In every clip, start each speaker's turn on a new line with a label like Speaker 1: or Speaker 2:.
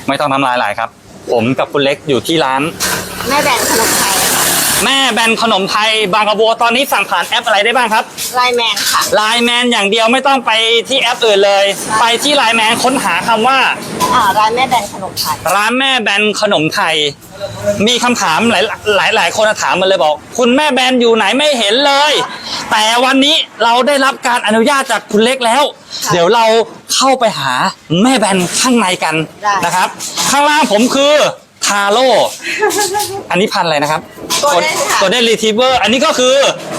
Speaker 1: ไม่ต้องน้ำลายไหลครับผมกับคุณเล็กอยู่ที่ร้าน
Speaker 2: แม่แบนขนมไทย
Speaker 1: แม่แบนขนมไทยบางกระบัวตอนนี้สั่งผ่านแอปอะไรได้บ้างครับ
Speaker 2: ไลน์แมนค่ะ
Speaker 1: ไลน์แมนอย่างเดียวไม่ต้องไปที่แอปอื่นเลยไปที่ไลน์แมนค้นหาคำว่า
Speaker 2: ร้านแม่แบนขนมไทย
Speaker 1: ร้านแม่แบนขนมไทยมีคำถามหลายคนถามมาเลยบอกคุณแม่แบนอยู่ไหนไม่เห็นเลยแต่วันนี้เราได้รับการอนุญาตจากคุณเล็กแล้วเดี๋ยวเราเข้าไปหาแม่แบนข้างในกันนะครับข้างล่างผมคือทาโร่อันนี้พันอะไรนะครับตัวได้รีทรีเวอร์อันนี้ก็คือ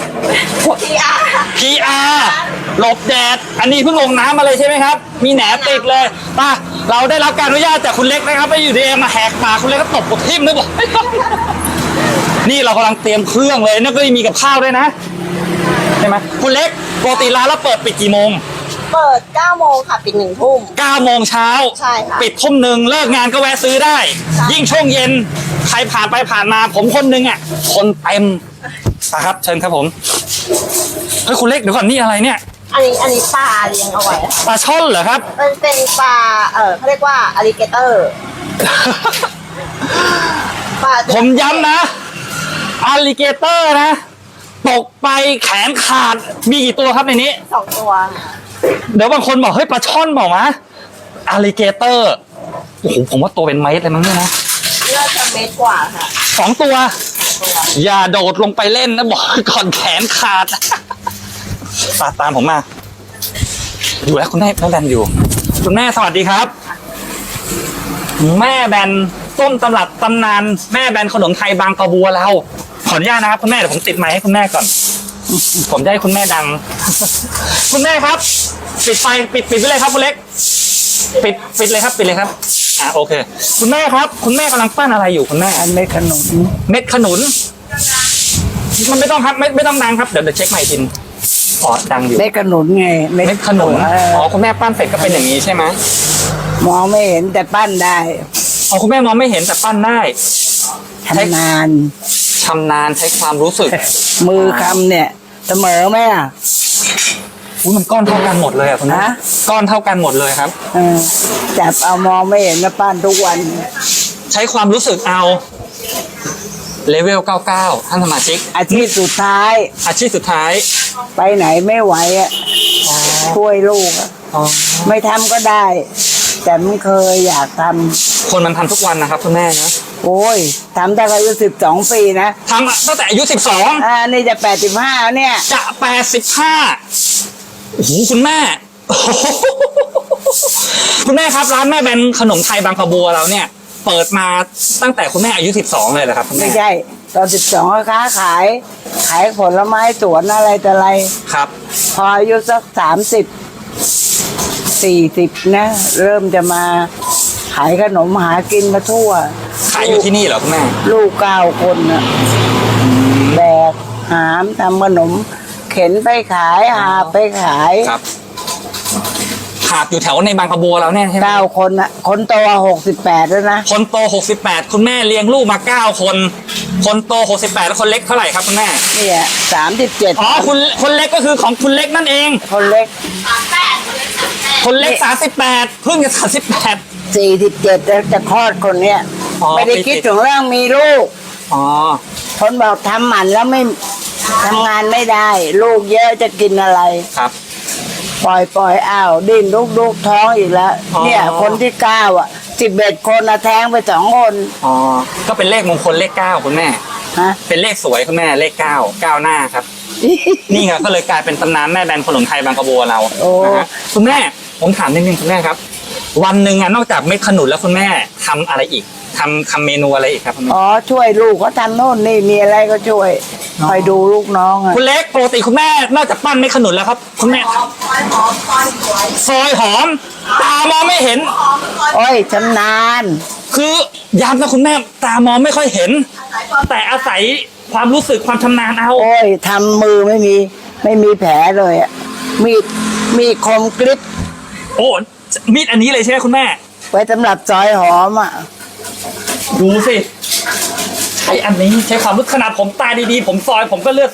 Speaker 1: PR หลบแดดอันนี้เพิ่งลงน้ำมาเลยใช่ไหมครับมีแหนติดเลยป่ะเราได้รับการอนุญาตจากคุณเล็กนะครับไม่อยู่ดีมาแหกปากคุณเล็กก็ตบกดทิ่มนึกบอกนี่เรากำลังเตรียมเครื่องเลยนี่ก็มีกับข้าวด้วยนะใช่ไหมคุณเล็กปกติร้านเราเปิดปิดกี่โมง
Speaker 2: เปิด 9 โมงค่ะปิด 1 ทุ่ม
Speaker 1: 9 โมงเช้า
Speaker 2: ใช่ค่ะ
Speaker 1: ปิดทุ่ม 1เลิกงานก็แวะซื้อได้ยิ่งช่วงเย็นใครผ่านไปผ่านมาผมคนนึงอ่ะคนเต็มนะครับเชิญครับผมเฮ้ยคุณเล็กเดี๋ยวก่อนนี่อะไรเนี่ย
Speaker 2: อันนี้ปลาเลี้ยงเอาไว้
Speaker 1: ปลาช่อนเหรอครับ
Speaker 2: มันเป็นปลาเขาเรียกว่าอลิเกเตอร์
Speaker 1: ผมย้ำนะอลิเกเตอร์นะตกไปแขนขาดมีกี่ตัวครับในนี้
Speaker 2: 2 ตัว
Speaker 1: เดี๋ยวบางคนบอกเฮ้ยปลาช่อนบอกนะอลิเกเตอร์โอ้โหผมว่าตัวเป็นเมตรเลยมั้งเนี่ยนะ
Speaker 2: น่าจะเมตรกว่าค่ะ
Speaker 1: 2 ตัวอย่าโดดลงไปเล่นนะบอกก่อนแขนขาดตามผมมาอยู่แล้วคุณแม่แบนอยู่คุณแม่สวัสดีครับแม่แบนต้นตำรับตำนานแม่แบนขนมไทยบางกระบัวเราขออนุญาตนะครับคุณแม่เดี๋ยวผมติดไมค์ให้คุณแม่ก่อนผมจะให้คุณแม่ดังคุณแม่ครับปิดไฟปิดไปเลยครับคุณเล็กปิดเลยครับปิดเลยครับโอเคคุณแม่ครับคุณแม่กำลังปั้นอะไรอยู่คุณแม่
Speaker 3: เม็ดขนุน
Speaker 1: มันไม่ต้องครับไม่ต้องดังครับเดี๋ยวเช็คใหม่ทีดังอยู่
Speaker 3: เม็ดขนุนไง
Speaker 1: เม็ดขนุนคุณแม่ปั้นเสร็จก็เป็นอย่างนี้ใช่ไหม
Speaker 3: มองไม่เห็นแต่ปั้นได้
Speaker 1: คุณแม่มองไม่เห็นแต่ปั้นได้
Speaker 3: ชำนาญ
Speaker 1: ใช้ความรู้สึก
Speaker 3: มือคำเนี่ยเสมอไหม
Speaker 1: มันก้อนเท่ากันหมดเลยคุณแม่ก้อนเท่ากันหมดเลยครับ
Speaker 3: จับเอามองไม่เห็นแล้วปั้นทุกวัน
Speaker 1: ใช้ความรู้สึกเอาเลเวล99ท่านสมาชิก
Speaker 3: อาชีพสุดท้ายไปไหนไม่ไหวช่วยลูกไม่ทำก็ได้แต่ไม่เคยอยากทำ
Speaker 1: คนมันทำทุกวันนะครับคุณแม่นะ
Speaker 3: โอ้ยทำตั้งแต่อายุ12 ปีนะ
Speaker 1: ทำตั้งแต่อายุ12
Speaker 3: นี่จะ85เนี่ย
Speaker 1: จะ85โอ้โหคุณแม่คุณแม่ครับร้านแม่แบนขนมไทยบางกระบัวเราเนี่ยเปิดมาตั้งแต่คุณแม่อายุ12เลยเหรอครับ
Speaker 3: ไม่ใช่ตอน12ก็ค้าขายผลไม้สวนอะไรแต่อะไร
Speaker 1: ครับ
Speaker 3: พออายุสัก40นะเริ่มจะมาขายขนมหากินมาทั่ว
Speaker 1: ขายอยู่ที่นี่เหรอคุณแม่
Speaker 3: ลูก9 คนนะแบกหามทำขนมเข็นไปขายหาไปขาย
Speaker 1: ครับหาบอยู่แถวในบางกระบัวแล้วเนี่ยใช่ไหม
Speaker 3: 9 คนนะคนโต68แล้วนะ
Speaker 1: คนโต68คุณแม่เลี้ยงลูกมา9 คนคนโต68แล้วคนเล็กเท่าไหร่ครับคุณแม่
Speaker 3: เนี่ย37
Speaker 1: คนเล็กก็คือของคุณเล็กนั่นเอง
Speaker 3: คนเล็ก
Speaker 1: คนเล็ก38เพิ่งจะ
Speaker 3: 47แล้วจะคลอดคนเนี้ยไม่ได้คิดถึงเรื่องมีลูกคนบอกทำหมันแล้วไม่ทำงานไม่ได้ลูกเยอะจะกินอะไร
Speaker 1: ครับ
Speaker 3: ปล่อยอ้าวดิ้นลูกท้องอีกแล้วเนี่ยคนที่9 11 คนแท้งไป2 คน
Speaker 1: ก็เป็นเลขมงคลเลข9คุณแม่เป็นเลขสวยคุณแม่เลข9หน้าครับนี่ไงก็เลยกลายเป็นตำนานแม่แบนขนมไทยบางกระบัวเราคุณแม่ผมถามนิดนึงคุณแม่ครับวันหนึ่งนอกจากเม็ดขนุนแล้วคุณแม่ทำอะไรอีกทำเมนูอะไรอีกครับคุณแม่
Speaker 3: ช่วยลูกเขาทำโน่นนี่มีอะไรก็ช่วยคอยดูลูกน้อง
Speaker 1: คุณเล็กปกติคุณแม่นอกจากปั้นเม็ดขนุนแล้วครับคุณแม่ซอยหอมตามองไม่เห็น
Speaker 3: โอ้ยชำนาญ
Speaker 1: คือย้ำนะคุณแม่ตามองไม่ค่อยเห็นแต่อาศัยความรู้สึกความชำนาญเอา
Speaker 3: โอ้ยทำมือไม่มีแผลเลยมีคมกริบ
Speaker 1: มีดอันนี้เลยใช่ไหมคุณแม่
Speaker 3: ไว้สำหรับซอยหอม
Speaker 1: ดูสิใช้อันนี้ใช้ความรู้ขนาดผมตาดีๆผมซอยผมก็เลือกซิป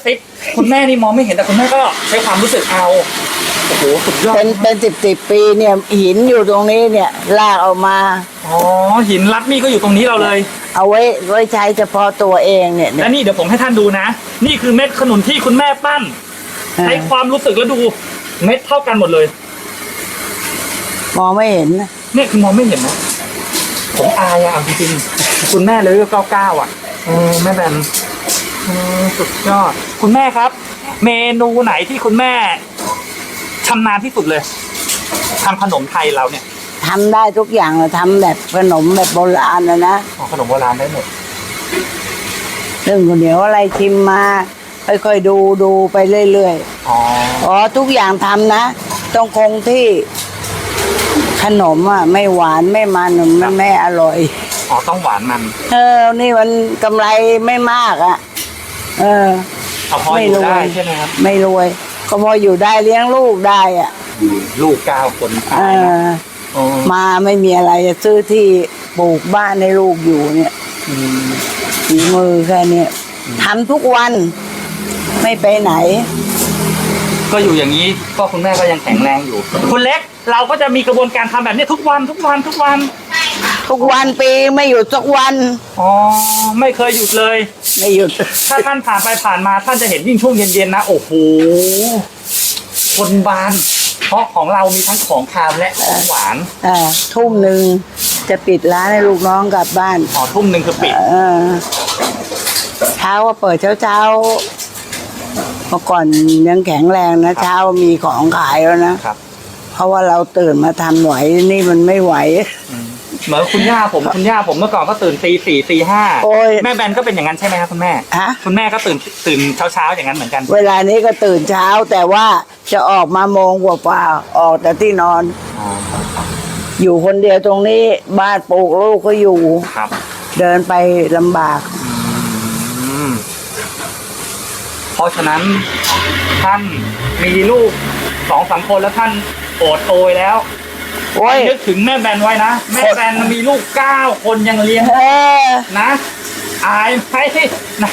Speaker 1: คุณแม่นี่มองไม่เห็นแต่คุณแม่ก็ใช้ความรู้สึกเอาโอ้โหสุดยอด
Speaker 3: เป็นสิบปีเนี่ยหินอยู่ตรงนี้เนี่ยลากออกมา
Speaker 1: อ๋อหินลัดนี่ก็อยู่ตรงนี้เราเลย
Speaker 3: เอาไว้ใช้เฉพาะตัวเองเนี่ย
Speaker 1: และนี่เดี๋ยวผมให้ท่านดูนะ นี่คือเม็ดขนุนที่คุณแม่ปั้นใช้ความรู้สึกแล้วดูเม็ดเท่ากันหมดเลย
Speaker 3: มองไม่เห็นนะ
Speaker 1: เนี่ยคือมองไม่เห็นนะผมอายอะเอาจริงๆคุณแม่เลย99อ่ะแม่แบนสุดยอดคุณแม่ครับ เมนูไหนที่คุณแม่ชำนาญที่สุดเลยทำขนมไทยเราเนี่ย
Speaker 3: ทำได้ทุกอย่างเลยทำแบบขนมแบบโบราณนะ
Speaker 1: ขนมโบราณได้หมด
Speaker 3: เรื่องข้าวเหนียวอะไรชิมมาค่อยๆดูไปเรื่อย
Speaker 1: อ๋อ
Speaker 3: ๆอ๋อทุกอย่างทำนะต้องคงที่ขนมอ่ะไม่หวานไม่มันมันไม่อร่อย
Speaker 1: อ๋อต้องหวานมัน
Speaker 3: นี่มันกำไรไม่มากอ่ะ
Speaker 1: เอาพออยู่ได้ใช่ไหมครับ
Speaker 3: ไม่รวย ก็พออยู่ได้เลี้ยงลูกได้อ่ะ
Speaker 1: ลูก9 คน
Speaker 3: เออ
Speaker 1: อ๋อ
Speaker 3: มาไม่มีอะไรจะซื้อที่ปลูกบ้านให้ลูกอยู่เนี่ย
Speaker 1: อืม
Speaker 3: ฝีมือแค่เนี้ยทำทุกวันไม่ไปไหน
Speaker 1: ก็อยู่อย่างนี้ก็คุณแม่ก็ยังแข็งแรงอยู่ คุณเล็กเราก็จะมีกระบวนการทำแบบนี้ทุกวัน
Speaker 3: ทุกวันปีไม่หยุดสักวัน
Speaker 1: อ๋อไม่เคยหยุดเลย
Speaker 3: ไม่หยุด
Speaker 1: ถ้าท่านผ่านไปผ่านมาท่านจะเห็นยิ่งช่วงเย็นๆนะโอ้โหคนบาน เพราะของเรามีทั้งของคาวและของหวาน
Speaker 3: ทุ่มหนึ่งจะปิดร้านให้ลูกน้องกลับบ้าน
Speaker 1: อ๋อทุ่มหนึ่งคือปิด
Speaker 3: เช้าก็เปิดเช้าเมื่อก่อนยังแข็งแรงนะเช้ามีของขายแล้วนะครับ เพราะว่าเราตื่นมาทำไหวนี่มันไม่ไหว
Speaker 1: เหมือนคุณย่าผมเมื่อก่อนก็ตื่นตี 4 ตี
Speaker 3: โอ้ย
Speaker 1: 5แม่แบนก็เป็นอย่างนั้นใช่ไหมครับคุณแม่
Speaker 3: ฮะ
Speaker 1: คุณแม่ก็ตื่นเช้าอย่างนั้นเหมือนกัน
Speaker 3: เวลานี้ก็ตื่นเช้าแต่ว่าจะออกมาโมงกว่าๆออกแต่ที่นอน
Speaker 1: อ๋อ
Speaker 3: อยู่คนเดียวตรงนี้บ้านปลูกลูกก็อยู่
Speaker 1: ครับ
Speaker 3: เดินไปลำบาก
Speaker 1: อืมเพราะฉะนั้นท่านมีลูก2-3 คนแล้วท่านโอดโอยแล้ว
Speaker 3: โอ้ย
Speaker 1: นึกถึงแม่แบนไว้นะแม่แบนมีลูก9 คนยังเลี้ยง
Speaker 3: เออ
Speaker 1: นะอายไหมนะ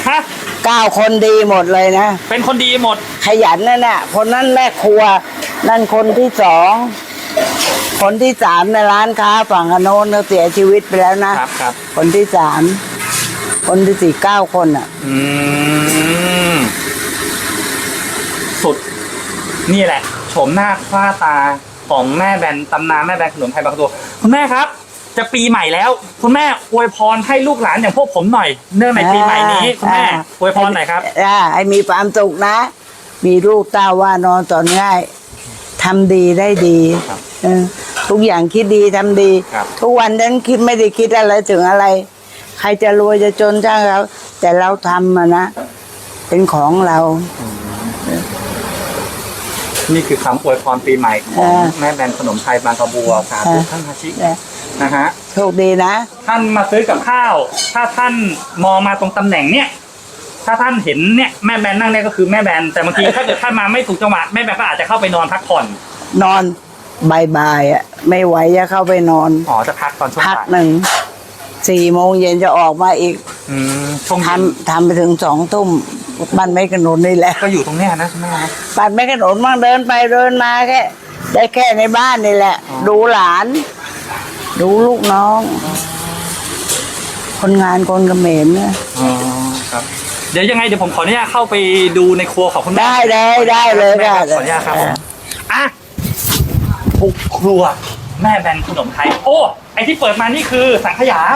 Speaker 3: 9 คนดีหมดเลยนะ
Speaker 1: เป็นคนดีหมด
Speaker 3: ขยันนั่นน่ะ คนนั้นแม่ครัว นั่นคนที่สองคนที่สามในร้านค้าฝั่งอโนนเขาเสียชีวิตไปแล้วนะครับ
Speaker 1: ครับ
Speaker 3: คนที่สามคนที่สี่9 คนอ่ะ
Speaker 1: อืมสุด นี่แหละโฉมหน้าคล้าตาของแม่แบนตำนานแม่แบนขนมไทยบางตัวคุณแม่ครับ จะปีใหม่แล้ว คุณแม่อวยพรให้ลูกหลานอย่างพวกผมหน่อยเนื่องในปีใหม่นี้คุณแม่อวยพรหน่อยครับ
Speaker 3: ให้มีความสุขนะ มีลูกเต้าว่านอนสอนง่ายทำดีได้ดี
Speaker 1: ครับ
Speaker 3: ทุกอย่างคิดดีทำดี
Speaker 1: ครับ
Speaker 3: ทุกวันนั้นคิดไม่ได้คิดอะไรถึงอะไร ใครจะรวยจะจนช่างเราแต่เราทำอะนะเป็นของเรา
Speaker 1: นี่คือคำอวยพรปีใหม่ของแม่แบนขนมไทยบางกระบัวสาธุท่านฮาชินะฮะ
Speaker 3: โชคดีนะ
Speaker 1: ท่านมาซื้อกับข้าว ถ้าท่านมองมาตรงตำแหน่งเนี้ยถ้าท่านเห็นเนี่ยแม่แบนนั่งเนี่ยก็คือแม่แบนแต่บางทีถ้าเกิดท่านมาไม่ถูกจังหวะแม่แบนก็อาจจะเข้าไปนอนพักผ่อน
Speaker 3: นอนบ่ายๆอ่ะไม่ไหวจะเข้าไปนอน
Speaker 1: อ๋อจะพักตอนช่วง
Speaker 3: พัก
Speaker 1: บ่าย
Speaker 3: หนึ่ง4 โมงเย็นจะออกมาอีก
Speaker 1: ช่วง
Speaker 3: ท
Speaker 1: เย็น
Speaker 3: ำไปถึง2 ทุ่มบ้านไม่กระหนุนนี่แหละ
Speaker 1: ก็อยู่ตรงเนี้ยนะคุณแม่นะ
Speaker 3: บ้านไม่กระหนุนมั่งเดินไปเดินมาแค่ได้แค่ในบ้านนี่แหละ
Speaker 1: อ๋อ
Speaker 3: ดูหลาน ดูลูกน้อง คนงานคนเขมรเนี่ย
Speaker 1: อ๋อครับเดี๋ยวยังไงเดี๋ยวผมขออนุญาตเข้าไปดูในครัวของคุณแม่
Speaker 3: ได้เลย
Speaker 1: แม่ครับ
Speaker 3: ได้เลย
Speaker 1: ขออนุญาตครับผมอ่ะบุกครัวแม่แบนขนมไทยโอ้ไอที่เปิดมานี่คือสังขยา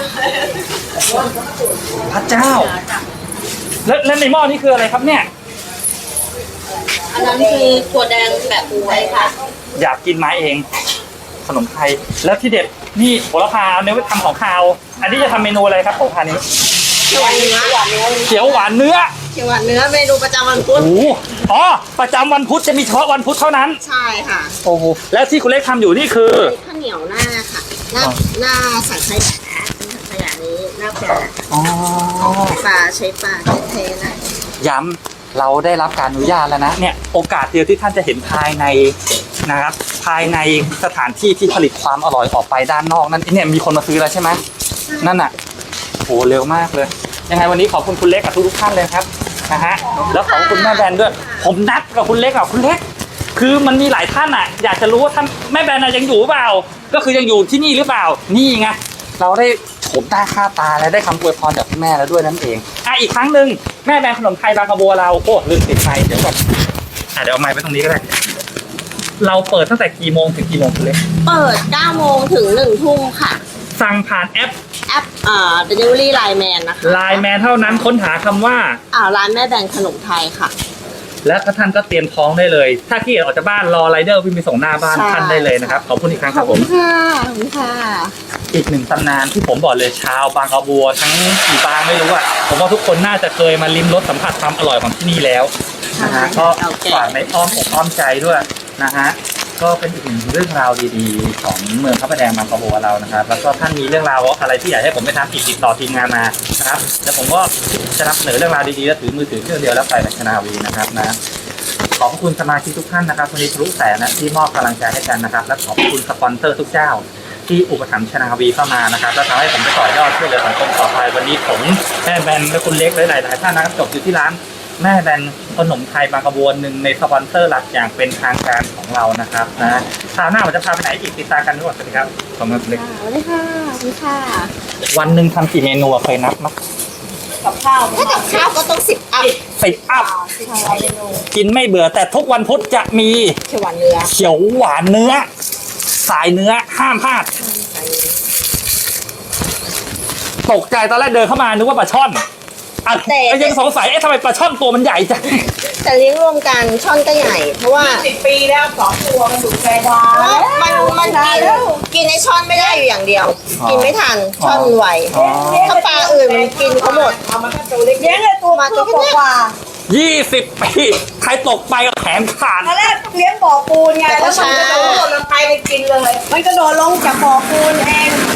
Speaker 1: พระเจ้า แล้วในหม้อนี่คืออะไรครับเนี่ย
Speaker 2: อันนั้นคือถั่วแดงแบบบวยค่ะ
Speaker 1: อยากกินมาเอง ขนมไทยแล้วที่เด็ดนี่โหระพาเอาเนื้อไปทำของคาว อันนี้จะทำเมนูอะไรครับโหระพานี้
Speaker 2: เขียวหวานเนื้อ
Speaker 1: เขียวหวานเนื้อ
Speaker 2: เขียวหวานเนื้อเมนูประจำวันพุธ
Speaker 1: โอ้โหอ๋อประจำวันพุธจะมีเฉพาะวันพุธเท่านั้น
Speaker 2: ใช่ค่ะ
Speaker 1: โอ้โหแล้วที่คุณเล็กทำอยู่นี่คือ
Speaker 2: มีข้าวเหนียวหน้าค่ะ หน้าสังขยาเป็นสังขยานี้หน้าปลา
Speaker 1: อ๋อ
Speaker 2: ปลาใช้ปลาเทๆนะ
Speaker 1: ย้ำเราได้รับการอนุญาตแล้วนะเนี่ยโอกาสเดียวที่ท่านจะเห็นภายในนะครับภายในสถานที่ที่ผลิตความอร่อยออกไปด้านนอกนั่นเนี่ยมีคนมาซื้อแล้วใช่ไหมนั่นน่ะโหเร็วมากเลยยังไงวันนี้ขอบคุณคุณเล็กกับทุกท่านเลยครับนะฮะแล้วขอบคุณแม่แบนด้วย ผมนัดกับคุณเล็กคุณเล็ก คือมันมีหลายท่านอ่ะ อยากจะรู้ว่าท่านแม่แบนยังอยู่หรือเปล่า ก็คือยังอยู่ที่นี่หรือเปล่า นี่ไงเราได้โฉมหน้าค่าตาและได้คำอวยพรจากคุณแม่แล้วด้วยนั่นเองอีกครั้งหนึ่งแม่แบนขนมไทยบางกระบัวเราโอ้ลืมติดไมค์เดี๋ยวก่อนเดี๋ยวเอาไมค์ไปตรงนี้ก็ได้เราเปิดตั้งแต่กี่โมงถึงกี่โมงคุณเล็ก
Speaker 2: เปิด 9 โมงถึง 1 ทุ่มค่ะ
Speaker 1: สั่งผ่านแอป
Speaker 2: Delivery Line Man นะคะ
Speaker 1: ไลน์แมนเท่านั้นค้นหาคำว่า
Speaker 2: ร้านแม่แบนขนมไทยค่ะ
Speaker 1: และท่านก็เตรียมท้องได้เลย ถ้าขี้เกียจออกจากบ้านรอไรเดอร์วิ่งไปส่งหน้าบ้าน
Speaker 2: ใช่
Speaker 1: ท่านได้เลยนะครับขอบคุณอีกครั้ง
Speaker 2: ข
Speaker 1: ค
Speaker 2: อ
Speaker 1: รั
Speaker 2: บบ
Speaker 1: ผ
Speaker 2: คุ
Speaker 1: ม
Speaker 2: ณค่ะขอบคุณค่ะ
Speaker 1: อีกหนึ่งตำนานที่ผมบอกเลยชาวบางกระบัวทั้งกี่บางไม่รู้อะผมว่าทุกคนน่าจะเคยมาลิ้มรสสัมผัสความอร่อยของที่นี่แล้วนะฮะก็ฝากในอ้อมอกอ้อมใจด้วยนะฮะก็เป็นอีกหนึ่งเรื่องราวดีๆของเมืองพระประแดงบางกระบัวเรานะครับแล้วก็ท่านมีเรื่องราวอะไรที่อยากให้ผมไปทำอีกติดต่อทีมงานมานะครับแล้วผมก็จะนำเสนอเรื่องราวดีๆแล้วถือมือถือเครื่องเดียวแล้วไปแบบชนาวีนะครับนะขอบคุณสมาชิกทุกท่านนะครับวันนี้ทะลุแสนนะที่มอบกำลังใจให้กันนะครับและขอบคุณสปอนเซอร์ทุกเจ้าที่อุปถัมภ์ชนาวีเข้ามานะครับแล้วทำให้ผมไปต่อยอดช่วยเหลือสังคมต่อไปวันนี้ผมแม่แบนและคุณเล็กหลายๆท่านนะครับจบอยู่ที่ร้านแม่แบนขนมไทยบางกระบวนหนึ่งในสปอนเซอร์หลักอย่างเป็นทางการของเรานะครับนะคราวหน้าผมจะพาไปไหนอีกติดตามกันด้วยสวัสดีครับขอบคุณคุณเล็ก
Speaker 2: สวัสดีค่ะสวัสดีค่ะ
Speaker 1: วันหนึ่งทำกี่เมนูอะเคยนับมั้ย
Speaker 2: กับข้าวถ้ากับข้าวก็ต้อง10 อัพ
Speaker 1: 10 อัพ
Speaker 2: 10 เมนู
Speaker 1: กินไม่เบื่อแต่ทุกวันพุธจะมี
Speaker 2: เขียวหวานเนื้อ
Speaker 1: เขียวหวานเนื้อสายเนื้อห้ามพลาดตกใจตอนแรกเดินเข้ามานึกว่าปลาช่อนยังสงสัยทำไมปลาช่อนตัวมันใหญ่จัง
Speaker 2: แต่เลี้ยงรวมกันช่อนก็ใหญ่ เพราะว่า
Speaker 4: 10 ปีแล้ว2 ตัวมันดุใจดา
Speaker 2: มันกินไอช่อนไม่ได้อยู่อย่างเดียว กินไม่ทันช่อนไว
Speaker 1: อ๋อ
Speaker 2: ถ้าปลาอื่นมันกินเขาหมด
Speaker 4: เอามันก็ตัวเล็ก
Speaker 3: เลี้ยงเลยตัวมันก็กว่า
Speaker 1: 20 ปีใครตกไปก็แขนขาด
Speaker 3: ตอนแรกเลี้ยงบ่อปูนไง
Speaker 2: แต่ก็
Speaker 3: แล้วมัน
Speaker 2: ช้า
Speaker 3: กระโดดลงไปเลยกินเลย มันกระโดดลงจากบ่อปูนเอง